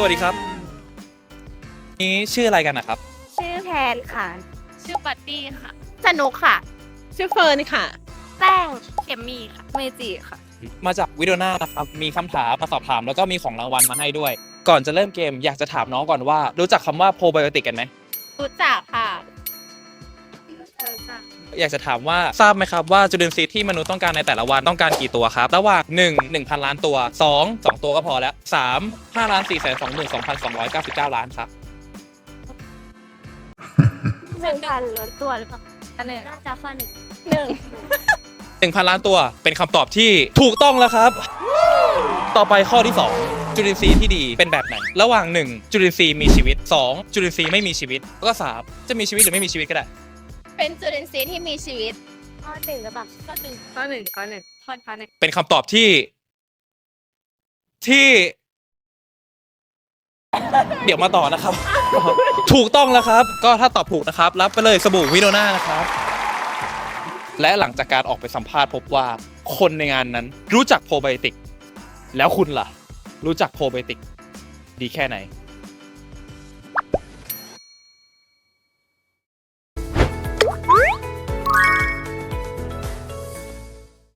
วัสดีครับนี่ชื่ออะไรกันนะครับชื่อแพนค่ะชื่อบัดดี้ค่ะสนุกค่ะชื่อเฟิร์นค่ะแป้งเขมมี่ค่ะเมจิค่ะมาจากวิดีโอนานะครับมีคำถามมาสอบถามแล้วก็มีของรางวัลมาให้ด้วย ก่อนจะเริ่มเกมอยากจะถามน้องก่อนว่ารู้จักคำว่าโปรไบโอติกกันไหมรู้จักค่ะอยากจะถามว่าทราบไหมครับว่าจุลินทรีย์ที่มนุษย์ต้องการในแต่ละวันต้องการกี่ตัวครับระหว่าง1 1,000 ล้านตัว2 2ตัวก็พอแล้ว3 5,422,299 ล้านครับ 1,000 ล้านตัวหรือเปล่าอันหนึ่งน่าจะข้อหนึ่ง 1,000 ล้านตัวเป็นคำตอบที่ถูกต้องแล้วครับ ต่อไปข้อที่ 2 จุลินทรีย์ที่ดีเป็นแบบไหน ระหว่าง 1 จุลินทรีย์มีชีวิต 2 จุลินทรีย์ไม่มีชีวิตแล้วก็3จะมีชีวิตหรือไม่มีชีวิตก็ได้เป็นจุลินทรีย์ที่มีชีวิตข้อหนึ่งหรือเปล่าข้อหนึ่งข้อหนึ่งข้อหนึ่งข้อหนึ่งเป็นคำตอบที่ เดี๋ยวมาต่อนะครับ ถูกต้องแล้วครับ ก็ถ้าตอบถูกนะครับ รับไปเลยสบู่วิโนนานะครับ และหลังจากการออกไปสัมภาษณ์พบว่าคนในงานนั้นรู้จักโปรไบโอติก แล้วคุณล่ะ รู้จักโปรไบโอติกดีแค่ไหน